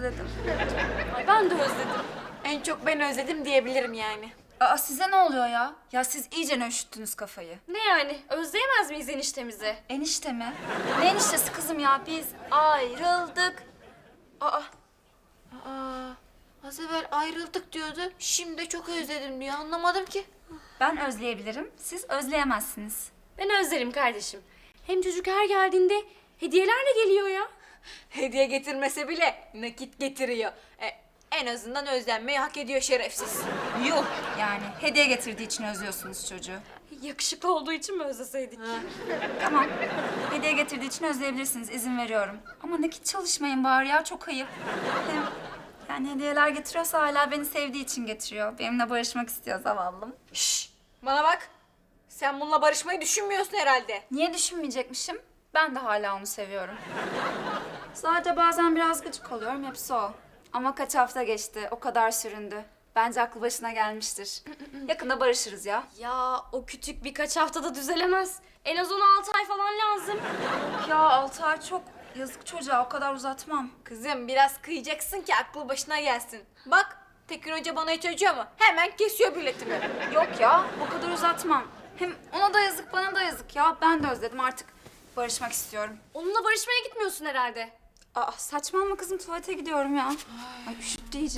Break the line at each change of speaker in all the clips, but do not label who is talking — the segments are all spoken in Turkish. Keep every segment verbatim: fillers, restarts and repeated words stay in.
özledim.
Ay ben de özledim.
En çok ben özledim diyebilirim yani.
Aa size ne oluyor ya? Ya siz iyice üşüttünüz kafayı.
Ne yani? Özleyemez miyiz eniştemizi?
Enişte mi? Ne eniştesi kızım ya? Biz ayrıldık. Aa
Aa, az evvel ayrıldık diyordu. Şimdi de çok özledim diyor. Anlamadım ki.
ben özleyebilirim. Siz özleyemezsiniz.
Ben özlerim kardeşim. Hem çocuk her geldiğinde hediyelerle geliyor ya.
Hediye getirmese bile nakit getiriyor. E, en azından özlenmeyi hak ediyor şerefsiz.
Yuh yani hediye getirdiği için özlüyorsunuz çocuğu.
Yakışıklı olduğu için mi özleseydik?
Tamam. Hediye getirdiği için özleyebilirsiniz. İzin veriyorum. Ama nakit çalışmayın bari ya. Çok ayıp. Hem yani hediyeler getiriyorsa hala beni sevdiği için getiriyor. Benimle barışmak istiyor zavallım.
Şşş, bana bak. Sen bununla barışmayı düşünmüyorsun herhalde.
Niye düşünmeyecekmişim? Ben de hala onu seviyorum. Sadece bazen biraz gıcık oluyorum. Hepsi o. Ama kaç hafta geçti. O kadar süründü. Bence aklı başına gelmiştir. Yakında barışırız ya.
Ya o küçük birkaç haftada düzelemez. En az on altı ay falan lazım.
Ya altı ay çok. Yazık çocuğa. O kadar uzatmam.
Kızım biraz kıyacaksın ki aklı başına gelsin. Bak Tekin Hoca bana hiç acıyor mu? Hemen kesiyor biletimi.
Yok ya, o kadar uzatmam. Hem ona da yazık, bana da yazık ya. Ben de özledim artık. Barışmak istiyorum.
Onunla barışmaya gitmiyorsun herhalde.
Aa, saçmalama kızım, tuvalete gidiyorum ya. Ay üşüttü iyice.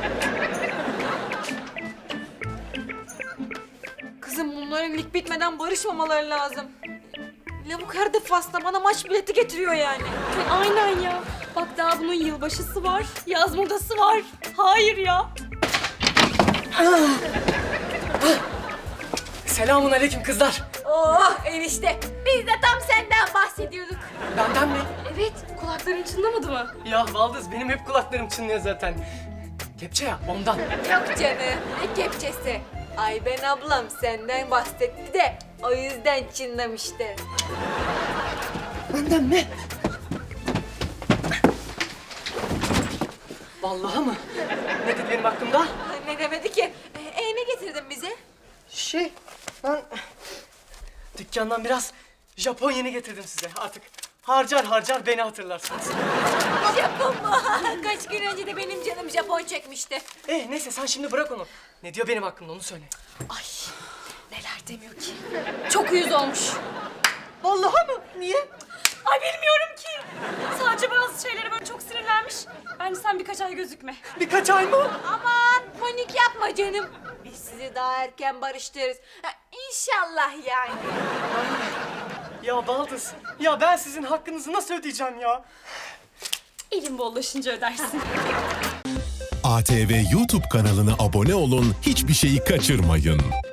Kızım bunların lig bitmeden barışmamaları lazım. Lavuk her defasında bana maç bileti getiriyor yani.
Ay, aynen ya. Bak daha bunun yılbaşısı var, yaz modası var. Hayır ya.
Selamun aleyküm kızlar.
Oh enişte biz de tam senden bahsediyorduk.
Benden mi?
Evet, kulakların çınlamadı mı?
Ya Baldız benim hep kulaklarım çınlıyor zaten. Kepçe ya ondan.
Yok canım ne kepçesi. Ayben ablam senden bahsetti de o yüzden çınlamıştı.
Benden mi? Vallahi mı? Ne dedi benim hakkımda?
Ne demedi ki? E, e, ne getirdin bize?
Şey ben dükkandan biraz Japon yeni getirdim size artık. Harcar harcar beni hatırlarsınız.
Japon mu? Kaç gün önce de benim canım Japon çekmişti.
Ee neyse sen şimdi bırak onu. Ne diyor benim hakkımda onu söyle.
Ay, neler demiyor ki. Çok uyuz olmuş.
Vallahi mı? Niye?
Ay bilmiyorum ki. Sadece bazı şeylere böyle çok sinirlenmiş. Bence sen birkaç ay gözükme.
Birkaç ay mı?
Aman panik yapma canım. Biz sizi daha erken barıştırırız. Ha, İnşallah yani.
Ya Baldız, ya ben sizin hakkınızı nasıl ödeyeceğim ya?
Elin bollaşınca ödersin.
A T V YouTube kanalına abone olun, hiçbir şeyi kaçırmayın.